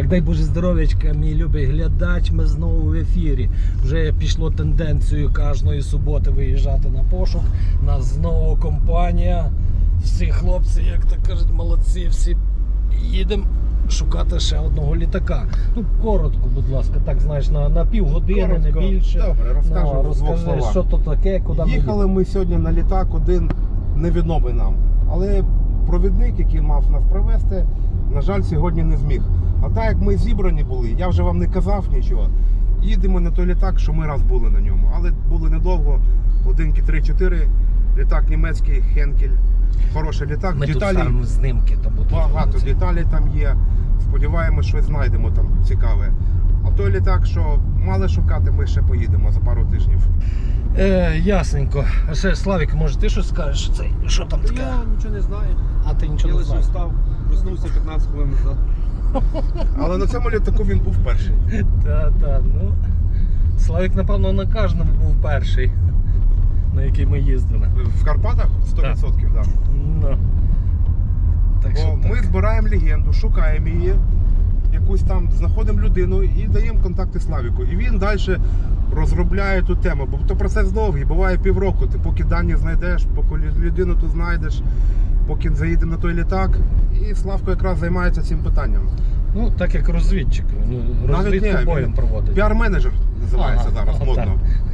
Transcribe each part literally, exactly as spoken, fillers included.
Так, дай Боже здоров'ячка, мій любий глядач, ми знову в ефірі. Вже пішло тенденцією кожної суботи виїжджати на пошук. Нас знову компанія. Всі хлопці, як то кажуть, молодці, всі їдемо шукати ще одного літака. Ну, коротко, будь ласка, так, знаєш, на, на півгодини, коротко. не більше. Добре, розкажу ну, в двох розкажи, словах. що то таке, куди ми Їхали ми сьогодні на літак один невідомий нам. Але провідник, який мав нас привезти, на жаль, сьогодні не зміг. А так як ми зібрані були, я вже вам не казав нічого. Їдемо на той літак, що ми раз були на ньому. Але були недовго, годинки три-чотири, літак німецький, Хенкель. Хороший літак. Ми деталі, тут ставимо знімки. То будуть багато вулиці. деталей там є. Сподіваємось, щось знайдемо там цікаве. А той літак, що мали шукати, ми ще поїдемо за пару тижнів. Е, ясненько. А ще, Славік, може ти щось скажеш? Цей, що там таке? Я нічого не знаю. А ти нічого Я не лише знаєш? встав, проснувся п'ятнадцять хвилин назад. Але на цьому літаку він був перший. Та, та, ну. Славік, напевно, на кожному був перший, на який ми їздили. В Карпатах сто відсотків, так. Ну. Так що Бо ми так. збираємо легенду, шукаємо її, якусь там, знаходимо людину і даємо контакти Славіку. І він далі розробляє ту тему. Бо то процес довгий, буває півроку. Ти поки дані знайдеш, поки людину тут знайдеш, поки заїдемо на той літак. І Славко якраз займається цим питанням. Ну, так як розвідчик. Ну, розвідку ні, боєм він проводить. Піар-менеджер називається Ага, зараз, ага, модно.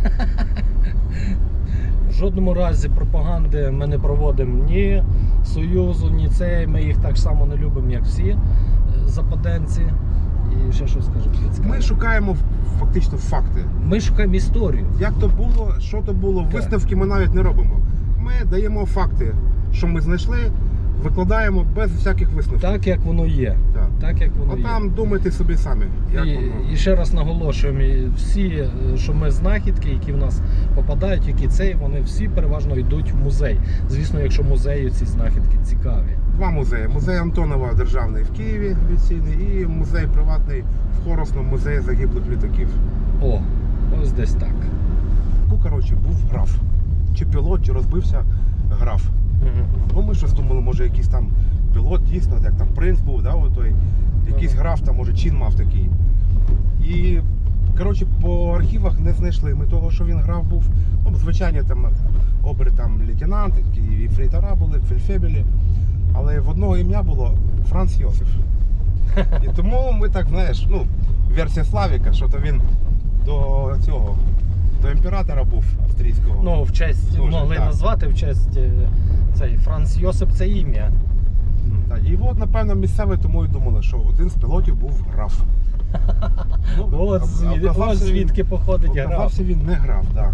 В жодному разі пропаганди ми не проводимо ні Союзу, ні цей. Ми їх так само не любимо, як всі е, западенці. І ще щось скажу. Ми шукаємо фактично факти. Ми шукаємо історію. Як то було, що то було, Так. висновки ми навіть не робимо. Ми даємо факти, що ми знайшли, викладаємо без всяких висновків. Так, як воно є. Так. Так, як воно А є. там думайте собі самі, як І, воно. і ще раз наголошуємо, і всі, е, що ми знахідки, які в нас попадають, які цей, вони всі переважно йдуть в музей. Звісно, якщо музею ці знахідки цікаві. Два музеї. Музей Антонова державний в Києві офіційний і музей приватний в Хоросному, музеї загиблих літаків. О, ось десь так. Ну, коротше, був граф. Чи пілот, чи розбився граф. Угу. Ну, ми щось думали, може якийсь там пілот, дійсно, як там принц був, да, отой, якийсь граф, там, може, чин мав такий. І, коротше, по архівах не знайшли ми того, що він граф був. Ну, звичайно, там обри там лейтенанти, і фрейтора були, фельдфебелі. Але в одного ім'я було Франц Йосиф. І тому ми так, знаєш, ну, версія Славіка, що то він до цього, до імператора був австрійського. Ну, в честь Дуже, могли так. назвати, в честь е, цей Франц Йосип це ім'я. Так, і от, напевно, місцеві тому і думали, що один з пілотів був граф. Ну, От а- звід- оказався ось звідки він- походить граф. Оказався він не граф, так.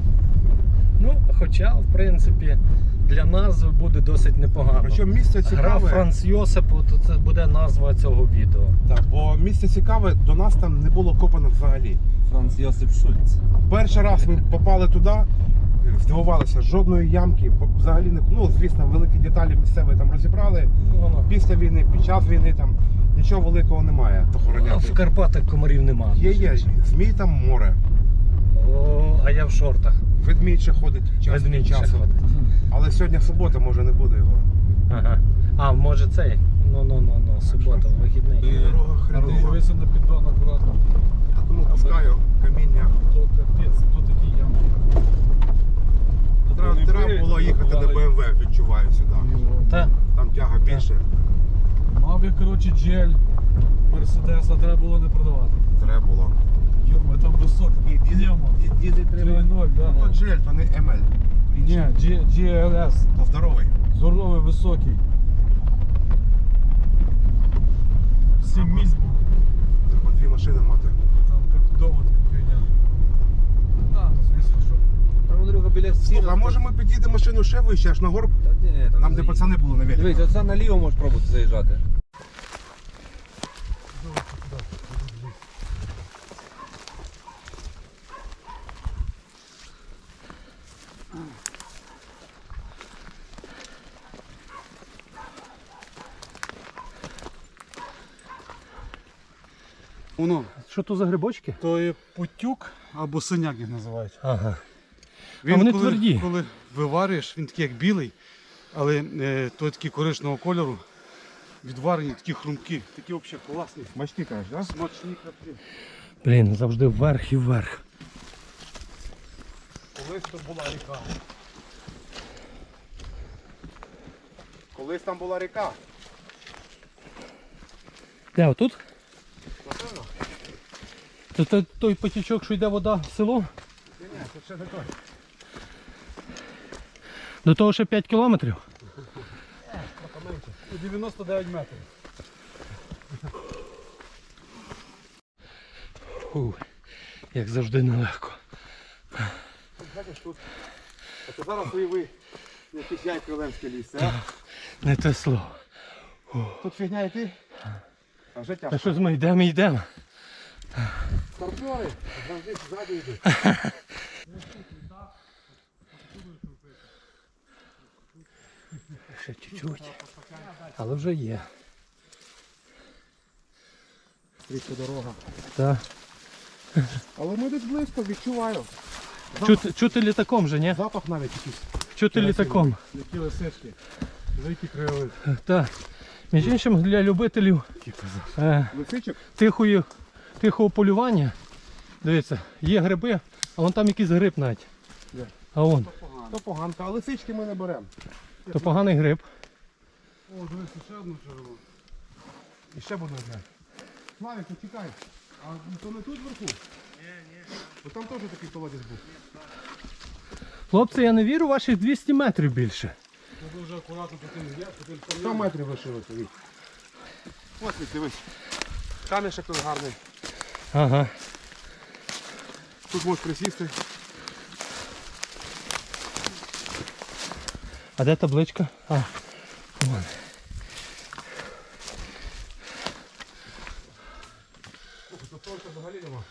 Ну, хоча, в принципі, для назви буде досить непогано. Причому місце Граф цікаве, Франц Йосип, то це буде назва цього відео. так, бо місце цікаве, до нас там не було копано взагалі. Франц Йосип Шульц. Перший раз ми попали туди, здивувалися, жодної ямки, бо взагалі не, ну, звісно, великі деталі місцеві там розібрали. Воно. Після війни, під час війни там нічого великого немає А в охороняти. Карпатах комарів нема. Є, є, змій там море, О, а я в шортах. ведмідь ще ходить час від Ведмідь ще часу. ходить. Але сьогодні субота, може не буде його. Ага. А, може цей? Ну, ну, ну, ну, субота, вихідний. Дорога хренова. Дивися на піддон акуратно. Я тому пускаю каміння. То капець, то такі ямки. Треба, треба було їхати на Б М В, відчуваю сюди. Та? Там тяга більше. Мав я, коротше, джель Мерседеса, треба було не продавати. Треба було. Йома, там високо. Нема. Діди три ноль, да. То джель, то не М Л. Ні, джі ел ес. То здоровий. Здоровий, високий. Сім Ага. місць було. Треба дві машини мати. Там як довго така хуйня. А, ну звісно, що. Там, Андрюха, біля стіни. Слухай, а може ми під'їдемо машину ще вище, аж на горб? Та ні, там Нам не де заїдь. пацани були на велику. Дивись, оце наліво можеш пробувати заїжджати. Воно, Що то за грибочки? то є путюк або синяк їх називають. Ага. Він, А вони коли, тверді. коли виварюєш, він такий як білий, але е, той такий коричневого кольору. відварені, такі хрумкі, такі взагалі класні. Смачні, кажеш, да? Смачні капці. Блін, завжди вверх і вверх. Колись тут була ріка. Колись там була ріка. Де, отут? Напевно? Це той, той потічок, що йде вода в село? Ні, ні, це ще не той. До того ще п'ять кілометрів. дев'яносто дев'ять метрів. Фу, як завжди нелегко. Бачиш, тут. А це зараз уяви, якийсь яйко Лемське ліс, а? Не те слово. Тут фігня йти, а вже Та тяжко. що ж ми йдемо, йдемо. Старпери, завжди ззаду йдуть. Ще чуть-чуть. Але вже є. Стрічка дорога. Так. Але ми десь близько, відчуваю. Чути, чути літаком вже, ні? Запах навіть якийсь. Чути літаком. Які лисички. Великий краєвид. Так. Між іншим, для любителів е, Лисичок? тихої, тихого полювання. Дивіться, є гриби, а вон там якийсь гриб навіть. Де? А вон, То поганка, а лисички ми не беремо. то поганий гриб. О, дивися, ще одну червону. І ще буде одне. Славік, ну чекай. А то не тут вверху? Ні, ні. Бо там теж такий колодязь був. Хлопці, я не вірю, ваших двісті метрів більше. Треба вже акуратно по тим є, по тим сто камням. метрів лишилося від. Ось від, дивись. Камішек тут гарний. Ага. Тут можеш присісти. А де табличка? А, вон. Тут сонця взагалі нема.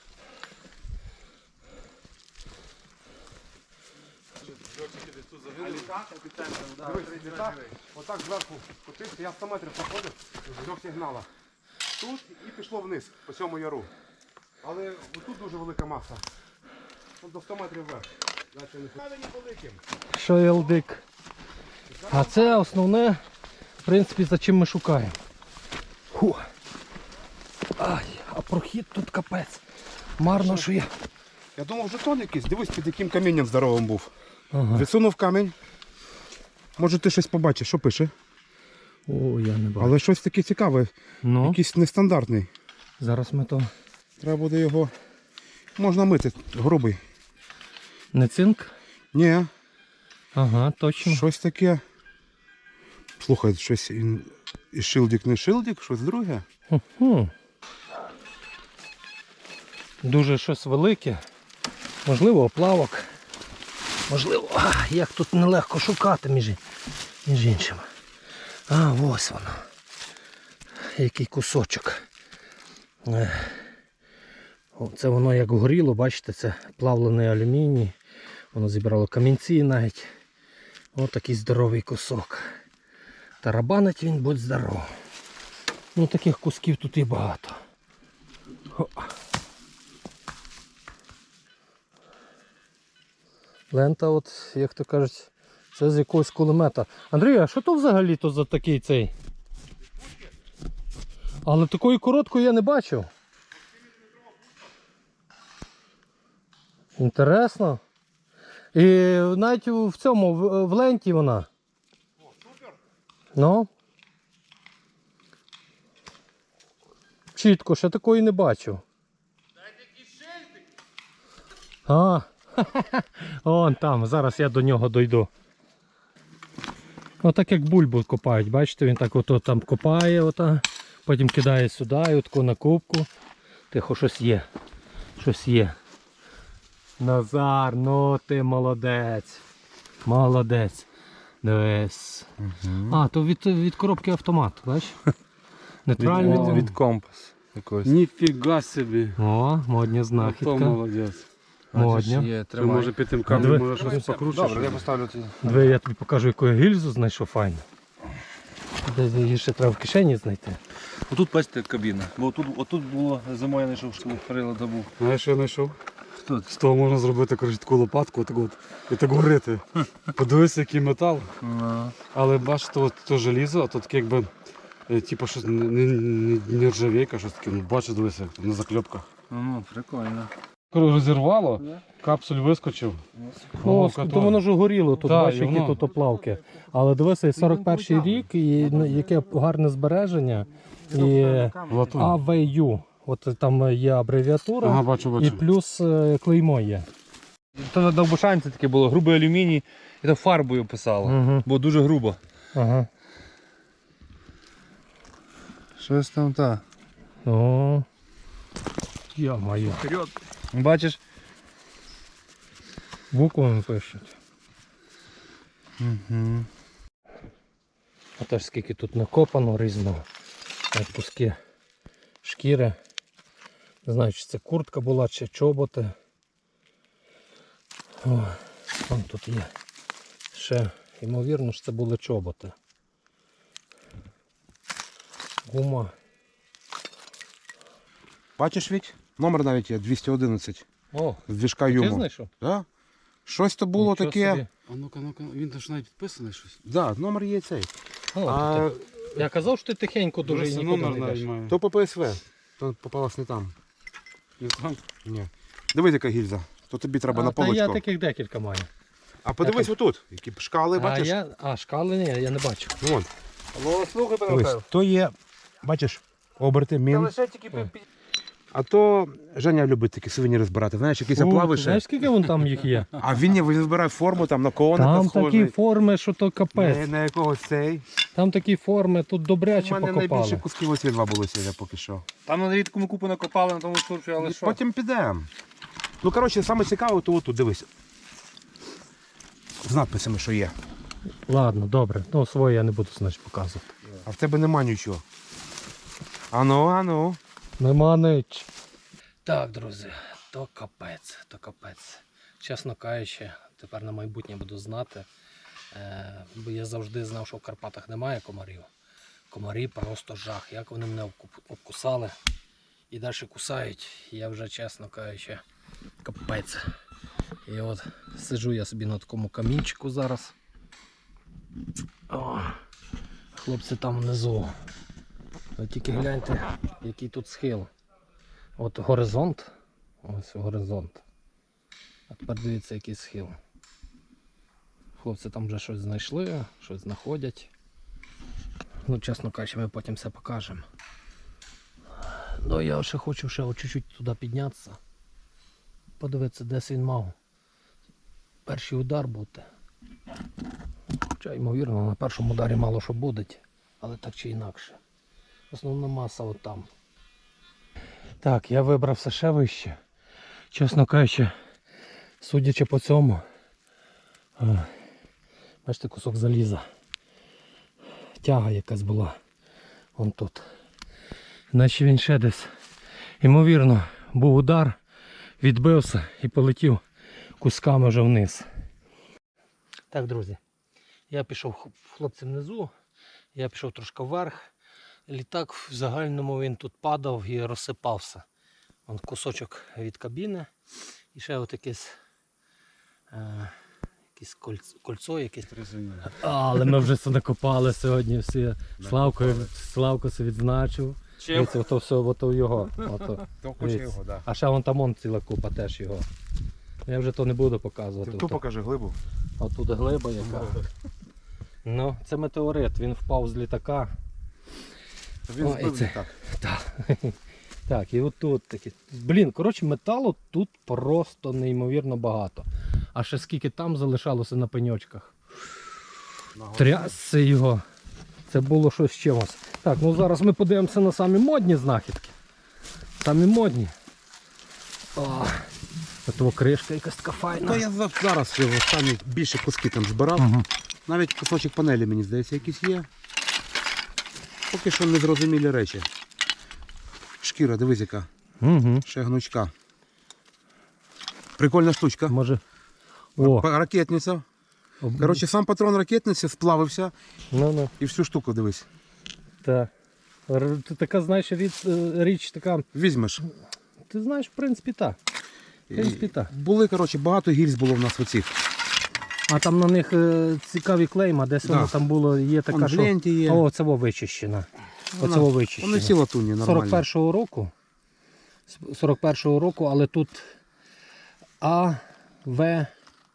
А літак? Дивись, літак, отак зверху котився, я сто метрів проходив в трьох сигналах. Тут і пішло вниз, по цьому яру. Але тут дуже велика маса. Тут до сто метрів вверх. Значить, не камені великим. Шойлдик. А це основне, в принципі, за чим ми шукаємо. Фу. Ай, а прохід тут капець. Марно, що я. Я думав, жетон якийсь, дивись, під яким камінням здоровим був. Ага. Відсунув камінь. Може ти щось побачиш, що пише? О, я не бачу. Але щось таке цікаве, Ну, якийсь нестандартний. зараз ми то. Треба буде його. Можна мити, грубий. Не цинк? Ні, Ага, точно. щось таке. Слухай, щось і, і шилдик, не шилдик, щось друге. Хм. Дуже щось велике. Можливо, оплавок. Можливо, а, як тут нелегко шукати між, між іншим. А, ось воно. Який кусочок. Е. О, це воно як горіло, бачите, це плавлений алюміній. Воно зібрало камінці навіть. Ось такий здоровий кусок. Тарабанить він, будь здоров. Ну таких кусків тут і багато. О. Лента, от, як то кажуть, це з якогось кулемета. Андрій, а що то взагалі то за такий цей? Але такої короткої я не бачив. Інтересно. І навіть в цьому, в, в ленті вона. О, супер! Ну. Чітко, ще такої не бачив. А, вон там, зараз я до нього дойду. Отак як бульбу копають, бачите, він так ото там копає, ота, потім кидає сюди і отаку на кубку. Тихо, щось є. Щось є. Назар, ну ти молодець. Молодець. Дивись. Угу. А, то від, від коробки автомат, бачиш? Нейтральний. Від, від компас якогось. Ніфіга собі. О, модня То знахідка. молодець. Модня. Є, Це тримай. може під тим Диви. камнем може щось покручиш. Добре, я поставлю тоді. Диви, я тобі покажу, яку я гільзу знайшов файну. Десь її ще треба в кишені знайти. Отут бачите кабіна. Бо отут, отут було зимою я знайшов, що перила забув. Знаєш, що я знайшов? Хто це? З того можна зробити коротше, таку лопатку отак от, і так горити. Подивися, який метал. Ну, Але бачите, от то желізо, а то таке якби Е, Типу щось не, не, не, не ржавейка, щось таке, ну бачиш, дивися, як там на закльопках. Ну, ну, прикольно. Розірвало, капсуль вискочив. Ну, Головка то воно ж горіло тут, Так, бачиш, і які воно- тут оплавки. Але дивися, сорок перший рік, і ну, яке гарне збереження. І Латунь. А В Ю. От там є абревіатура, Ага, бачу, бачу. і плюс е, клеймо є. То на довбушанці таке було, грубий алюміній, і то фарбою писало. Угу. Бо дуже грубо. Ага. Щось там так. О. Я маю. Бачиш? Буквами пишуть. Угу. А теж скільки тут накопано різного. Як куски шкіри. Не знаю, чи це куртка була, чи чоботи. О, там тут є. Ще, ймовірно, що це були чоботи. Гума. Бачиш, Віть? Номер навіть є двісті одинадцять. О, З двіжка ти Юму. знайшов? Да? Щось то було Нічого таке. собі. А ну-ка, ну-ка, він там ж навіть підписаний щось. Да, номер є цей. О, А то ти- Я казав, що ти тихенько дуже і нікуди не йдеш. має. то по П С В. То попалось не там. Не там. Ні. Дивись, яка гільза. То тобі треба на А, та я полочку. таких декілька маю. А подивись отут. Які шкали, А, бачиш? я... а шкали ні, я не бачу. Вон. Алло, слухай, Дивись, то є, бачиш, оберти, мін. лише тільки пі- пі- А то Женя любить такі сувеніри збирати. Знаєш, якісь О, оплави ти ще. знаєш, скільки вон там їх є? А він, ні, він збирає форму там на коника Там схожий. такі форми, що то Не, капець. на якогось цей. Там такі форми, тут У добряче мене найбільше покопали. кусків оці два були сьогодні поки що. Там на рідкому купу накопали на тому сурфі, але що? Потім підемо. Ну, коротше, саме цікаве, то отут, дивись. З надписами, що є. Ладно, добре. Ну, своє я не буду, значить, показувати. А в тебе нема нічого. Ану, ану. Нема нич. Так, друзі, то капець, то капець. Чесно кажучи, тепер на майбутнє буду знати. Е, бо я завжди знав, що в Карпатах немає комарів. Комарі просто жах. Як вони мене обку- обкусали і далі кусають, я вже, чесно кажучи, капець. І от сиджу я собі на такому камінчику зараз. О, хлопці там внизу. Ви тільки гляньте, який тут схил. От горизонт. Ось горизонт. А тепер дивіться, який схил. Хлопці там вже щось знайшли, щось знаходять. Ну, чесно кажучи, ми потім все покажемо. Ну, я ще хочу ще от чуть-чуть туди піднятися. Подивитися, десь він мав перший удар бути. Хоча, ймовірно, на першому ударі мало що буде, але так чи інакше. Основна маса от там. Так, я вибрався ще вище. Чесно кажучи, судячи по цьому, е, бачите, кусок заліза. Тяга якась була. Вон тут. Наче він ще десь. Ймовірно, був удар, відбився і полетів кусками вже вниз. Так, друзі, я пішов хлопцям внизу, я пішов трошки вверх. Літак в загальному він тут падав і розсипався. Вон кусочок від кабіни і ще от якесь, е, якесь кольцо, кольцо якесь. А, але ми вже це накопали сьогодні всі. Славко, Славко це відзначив. Чим? Дивіться, ото все, ото його. Ото. То хоче Дивіться. його, так. А ще вон там он ціла купа теж його. Я вже то не буду показувати. Ти ту Ото- покажи глибу. а тут глиба яка. Ну, це метеорит, він впав з літака. Він О, і збив це- літак. Так. Так, і отут такі. Блін, коротше, металу тут просто неймовірно багато. А ще скільки там залишалося на пеньочках. Трясся його. Це було щось з чимось. Так, ну зараз ми подивимося на самі модні знахідки. Самі модні. О, ото кришка якась така файна. Ну, я за- зараз його останні більше куски там збирав. Угу. Навіть кусочок панелі, мені здається, якийсь є. Поки що незрозумілі речі. Шкіра, дивись яка. Угу. Ще гнучка. Прикольна штучка. Може. О, Па- Ракетниця. об- Коротше, сам патрон ракетниці сплавився ну, ну. і всю штуку дивись. Та. Р- ти така, знаєш, річ, річ така. Візьмеш. Ти знаєш, в принципі, так. В принципі, так. Були, коротше, багато гільз було в нас оцих. А там на них е, цікаві клейма, десь Да. воно там було, є така, Вон в що... ленті є. О, це во вичищена. Оце вичищено. Вони всі латунні, нормально. сорок першого року. сорок першого року, але тут А, В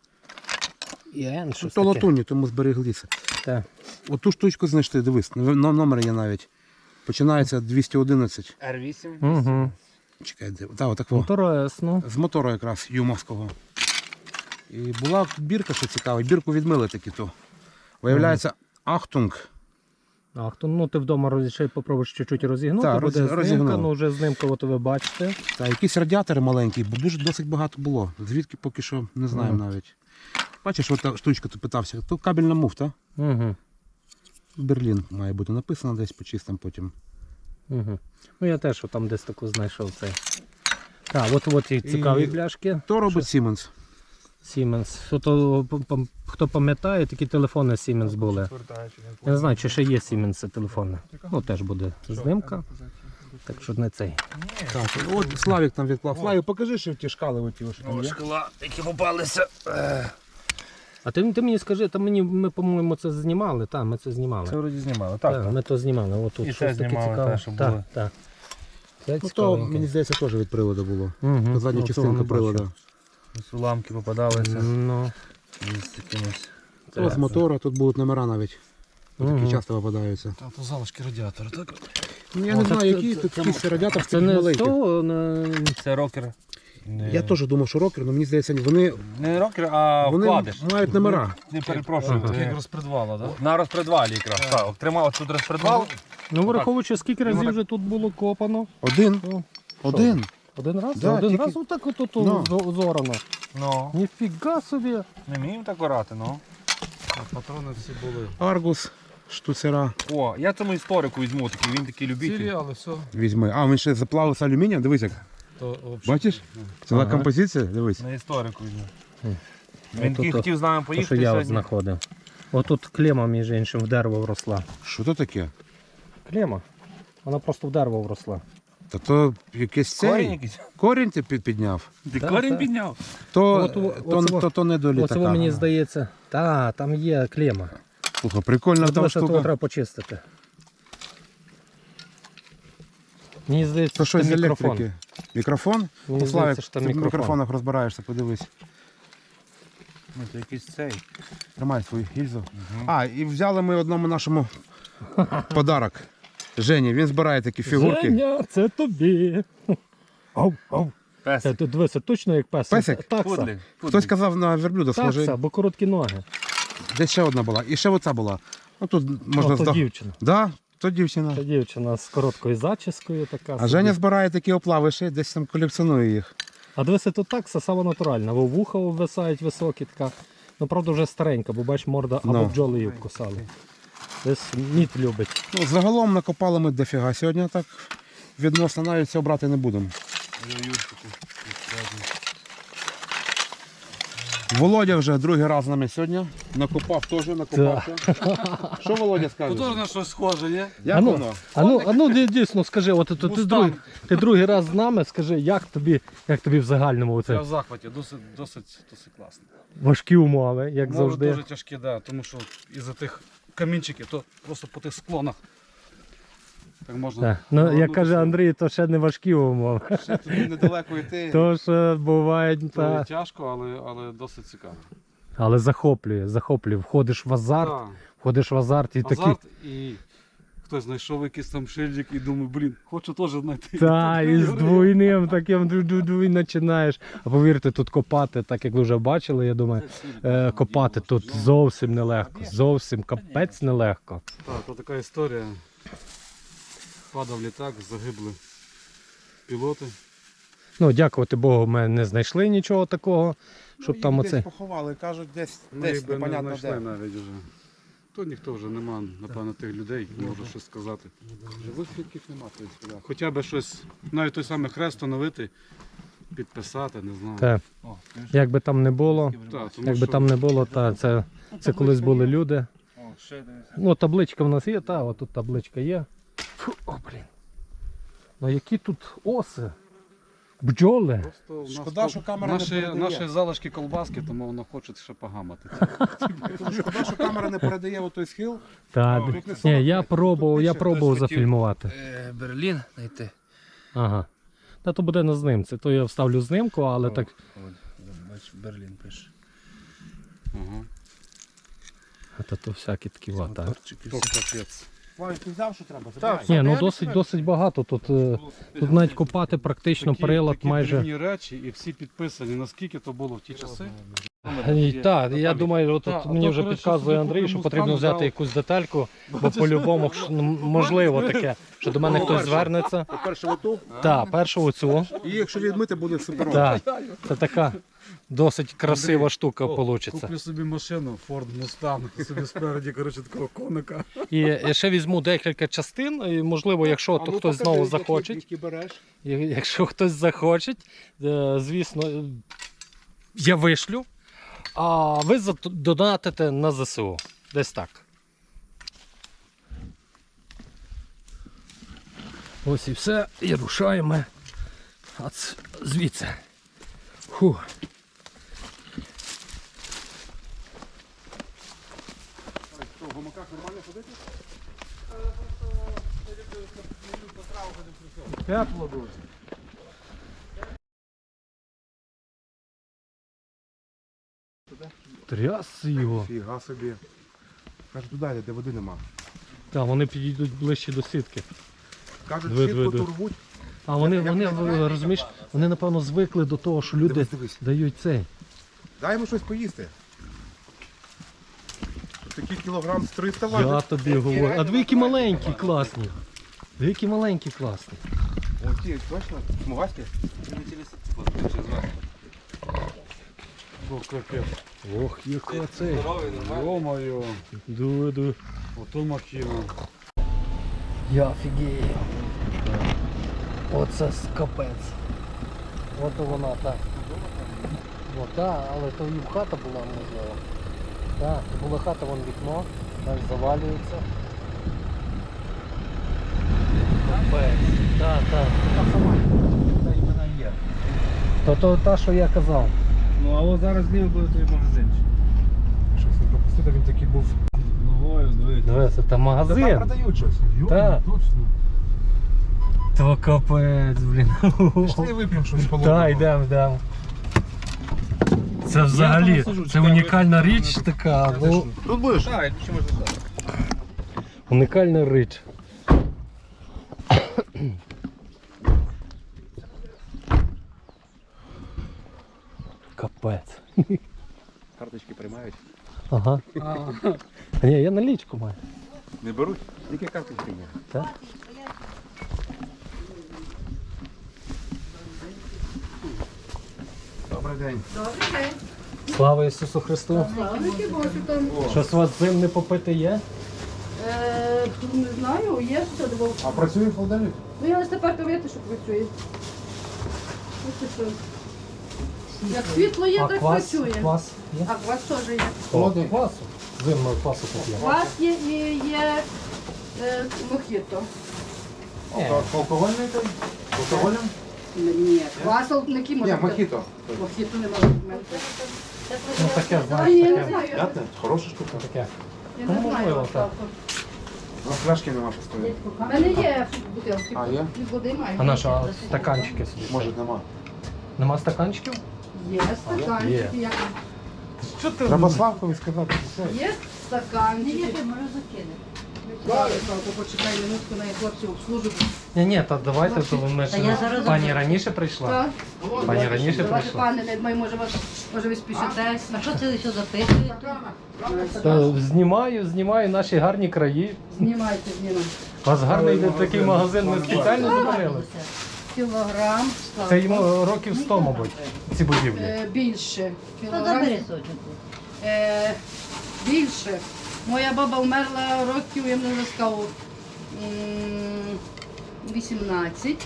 і Н. Щось То таке. латунні, тому збереглися. Так. Оту штучку знайшли, дивись, на номер є навіть. Починається двісті одинадцять. Р вісім. Угу. Чекай, де? Так, отак. во. Інтересно. З мотора якраз юмовського. І була бірка, що цікаво, бірку відмили таки то. Виявляється, Ахтунг. Ах, то ну ти вдома роз- ще й попробуєш чуть-чуть розігнути, Так, буде роз- знимка, розігнув. ну вже знимка, от ви бачите. Та якісь радіатори маленькі, бо дуже досить багато було. Звідки поки що не знаємо Мгм. навіть. Бачиш, от та штучка ти питався, то кабельна муфта. Угу. Берлін має бути написано десь почистимо потім. Угу. Ну я теж там десь таку знайшов цей. Так, от от і цікаві І- бляшки. То робить Siemens. Siemens. Хто, хто пам'ятає, такі телефони Siemens були. Я не знаю, чи ще є Siemens телефони. Ну теж буде знимка. Так що не цей. Так, от Славік там відклав. Славік, покажи, що ті шкали оті, що там є. Шкала, які попалися. А ти, ти мені скажи, там мені, ми, по-моєму, це знімали, так, ми це знімали. Це вроді знімали. Так, Так. ми то знімали. От тут І щось це таке знімали, цікаве. те, що так, були. так. Це Ну то, цікавеньке. мені здається, теж від приводу було. Угу. Задня Ну, частинка цього не привода. бачу. Ось уламки попадалися. Ну, З якимось. Ось з мотора, тут будуть номера навіть. Такі Мгм. часто попадаються. Там то залишки радіатора, так? Ну, я О, не так знаю, це- які це- тут це- якийсь радіатор це такий не з маленький. того, не... Це рокер. Не- Я теж думав, що рокер, але мені здається, вони, Не рокер, а вони вкладиш. мають номера. Не перепрошую. Так ти- як розпредвала, так? На розпредвалі якраз. Так, тримав тут розпредвал. Ну, враховуючи, скільки разів вже тут було копано. Один. Ну, Один. один раз? Да, один тільки- раз отак от тут Ну. зо- зорано. Ну, Ніфіга собі. не вміємо так орати, ну. Патрони всі були. Аргус, штуцера. О, я цьому історику візьму, такий, він такий Цілі, любитель. але все. Візьми. А, він ще заплавився алюмінієм, дивись як. То, взагалі. Бачиш? Ціла Ага. композиція, дивись. На історику візьму. Хм. Він Ото такий то- хотів з нами То, що поїхати я от сьогодні. знаходив. Отут клема, між іншим, в дерево вросла. Що то таке? Клема. Вона просто в дерево вросла. Та то якийсь цей. Корінь якийсь. Корінь ти під- підняв. Ти Так, корінь так. підняв. То, От- то, оце то, во- то, то не до Оце літака. мені здається. Та, там є клема. Слухай, прикольна От там дивися, того штука. треба почистити. Мені здається, То що щось це з мікрофон. електрики. Мікрофон? Мені Ну, Славік, здається, що ти там в мікрофон. мікрофонах розбираєшся, подивись. Ну, це якийсь цей. Тримай свою гільзу. А, і взяли ми одному нашому подарок. Жені, він збирає такі фігурки. Женя, це тобі. Ау, ау. Це Песик. тут дивися, точно як песик. Песик? Такса. Пудлик. Хтось казав на верблюда схожий. Такса, бо короткі ноги. Десь ще одна була. І ще оця була. Ну тут можна О, то здав... дівчина. Да, то дівчина. Та дівчина з короткою зачіскою така. А собі. Женя збирає такі оплавиші, десь там колекціонує їх. А дивися, тут такса сама натуральна. Во вуха обвисають високі така. Ну, правда, вже старенька, бо бач, морда або Ну. бджоли її вкусали. Десь мід любить. Ну, загалом накопали ми дофіга. Сьогодні так відносно навіть цього брати не будемо. Володя вже другий раз з нами сьогодні. Накопав теж, накопався. Що Володя Ну скаже? теж на щось схоже, є? Як А ну, воно? А ну, а ну ді- дійсно скажи, от, ти, ти, Мустанг. другий, ти другий раз з нами, скажи, як тобі, як тобі в загальному Я оце в захваті, досить, досить, досить класно. важкі умови, як Море завжди. дуже тяжке, да, тому що із-за тих камінчиків, то просто по тих склонах. Так можна. Так. Ну, як повернутися. каже Андрій, то ще не важкі умови. Ще тобі недалеко йти. То ж бувають, То та... тяжко, але, але досить цікаво. але захоплює, захоплює. Входиш в азарт, Так. входиш в азарт і такий. Азарт і хтось знайшов якийсь там шильдик і думаю, блін, хочу теж знайти. Та, і з двойним таким ду-ду-ду і починаєш. А повірте, тут копати, так як ви вже бачили, я думаю, е, копати тут зовсім нелегко. Зовсім капець нелегко. Так, то така історія. Падав літак, загибли пілоти. Ну, дякувати Богу, ми не знайшли нічого такого, щоб там Їх оце. десь поховали, кажуть, десь, Ми десь їх би не непонятно знайшли де. навіть вже. То ніхто вже нема, напевно, тих людей, які можуть щось сказати. Живих свідків нема, в принципі, да. Хоча б щось, навіть той самий хрест встановити, підписати, не знаю. Та, як би там не було, Так, тому як би що там не було, та, це, це колись були люди. О, ще дивись. Ну, табличка в нас є, та, отут табличка є. Фу, о, блін. Ну які тут оси. Бджоли. Просто в нас Шкода, кол- що камера не наші, передає. наші залишки колбаски, тому воно хоче ще погамати. Шкода, що камера не передає отой схил. Так. Тут не Ні, сорок я метрів, пробував, тут я більше. пробував Хтось хотів, зафільмувати. е, Берлін знайти. Ага. Та то буде на знимці, то я вставлю знимку, але так. Бач, Берлін пише. Ага. Та то всякі такі вата. Моторчики То всі. капець. Славік, ти взяв, що треба? Забирай. Ні, ну Я досить, не досить багато. Тут, е, тут навіть копати практично Такі- прилад такі майже. дрібні речі і всі підписані, наскільки то було в ті часи. Е, Так, я думаю, от, Та, от а мені то, вже коротше, підказує собі Андрій, що купимо потрібно стан, взяти взяв. якусь детальку, бо по-любому ж, ну, можливо таке, що до мене хтось звернеться. По-перше, оту. Так, першу оцю. І якщо відмити, буде супер. Так, це така досить красива штука вийде. Куплю собі машину, Ford Mustang, собі спереді, коротше, такого коника. І я ще візьму декілька частин, і можливо, якщо то хтось знову захоче, Які береш. і якщо хтось захоче, е, звісно, е, я вишлю, а ви зат- донатите на ЗСУ. Десь так. Ось і все, і рушаємо Ац, звідси. Фу. Що, в гамаках нормально ходити? Тепло дуже. Тряс його. Фіга собі. Каже, туди йде, де води нема. Так, вони підійдуть ближче до сітки. Кажуть, Диви, сітку диви, диви. турбуть. А вони, вони, ви розумієш, вони напевно звикли до того, що люди Дивись, дивись. дають цей. Дай йому щось поїсти. Тут такий кілограм з триста важить. Я тобі говорю. А дві які маленькі, класні. Дві які маленькі, класні. О, ті, точно? Смугасті? О, капець. Ох, яка цей. Йо-моє, Дуй, дуй. ото махіна. Я офігею. Оце скапець. От вона так. О, так, але то і в хата була, можливо. Так, то була хата, вон вікно, так завалюється. Капець. Так, так. Та й вона є. То, то та, що я казав. Ну а от зараз зліва буде той магазинчик. Щось не пропустити, він такий був. Ногою, дивіться. Дивися, це Та там магазин. продають щось. Так. Точно. То капець, блін. Пішли вип'ємо щось холодного. Так, йдемо, йдемо. Це взагалі, сиджу, це чекаю, унікальна ви- річ така. Ну, Тут будеш? Так, що можна так. унікальна річ. Капець. Карточки приймають. Ага. А ні, я налічку маю. Не беруть? Тільки карточки є. Так? Добрий день. Слава Ісусу Христу. Славники Божі там. Щось у вас зим не попити є? Е, не знаю, є що двох. А працює холодильник? Ну я лише тепер довіти, що працює. Ось і що. Як світло є, А так квас, працює. квас є? А квас теж є. Холодний квасу. Зимного квасу поп'ємо. Квас є і є е, мохіто. Алкогольний той? Алкогольним? Ні, квас алкоголь Ні, може. мохіто. Мохіто не може бути. Ну таке, А, знаєш, я не таке. знаю. П'ятне? Хороша штука. Таке. Я Ну, не знаю. можливо, так. У нас фляшки нема постійно. У мене є бутилки. А, є? Від води маю. А наша а стаканчики собі. Може нема. Нема стаканчиків? Є стаканчики. як- Що ти? Треба Славкові сказати. Все. Є стаканчики. Зараз, Славко, почекай минутку, на хлопці обслужують. Ні, ні, та давайте, то ми Та я ж зараз пані раніше прийшла. Так. Пані раніше Давайте, прийшла. пане, не думаю, може, вас, може ви спішитесь. А що це ви що записуєте? Та знімаю, знімаю наші гарні краї. Знімайте, знімайте. У вас гарний такий магазин, ми спеціально зупинилися. Кілограм. Це йому років сто, мабуть, ці будівлі. Е, більше. Та Кілограм. забери сочок. Е, більше. Моя баба вмерла років, я не розказав, м, вісімнадцять.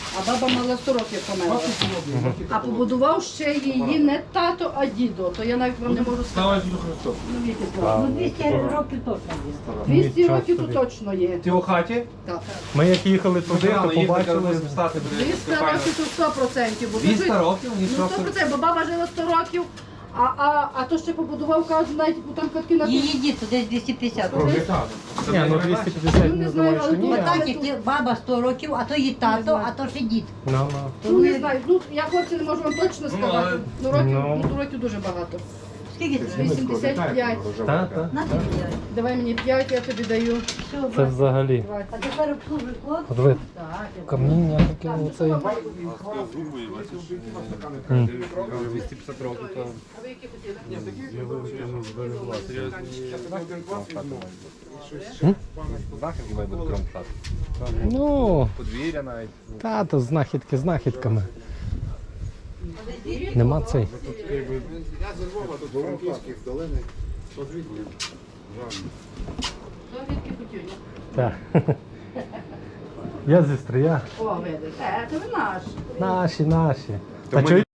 А баба мала сто років померла. А побудував ще її не тато, а дідо. То я навіть вам не можу сказати. Ну, віки слава. Ну, двісті років точно є. двісті років тут точно є. Ти у хаті? Так. Ми як їхали туди, то Рано їхати, побачили. розписати буде. двісті років тут сто відсотків. Бо двісті тут- років? Ну, Нічого сто собі. відсотків, бо баба жила сто років, а, а, а то ще побудував, кажуть, навіть там катки на Її дід десь двісті п'ятдесят років. Ні, ну двісті п'ятдесят Ну, не не знаю, думаю, але що ні. тут- Отак, як ти- баба сто років, а то її тато, а то ще дід. Ну, ну. Ну, не знаю, ну, я хлопці не можу вам точно сказати. Ну, років, Ну. ну, років дуже багато. Скільки це? вісімдесят п'ять. Та, та. На тобі п'ять. Давай мені п'ять, я тобі даю. Все, Це брат. взагалі. А тепер обслужуй хлоп. От ви Так, я каміння таке оцей. двісті п'ятдесят років, то Знахідки має бути крім хати. Ну, Подвір'я навіть. та, то знахідки знахідками. Нема цей. Довідки Путюня. Так. Я зі Стрия. О, видиш. Е, це ви наш. Наші, наші. То Та ми чого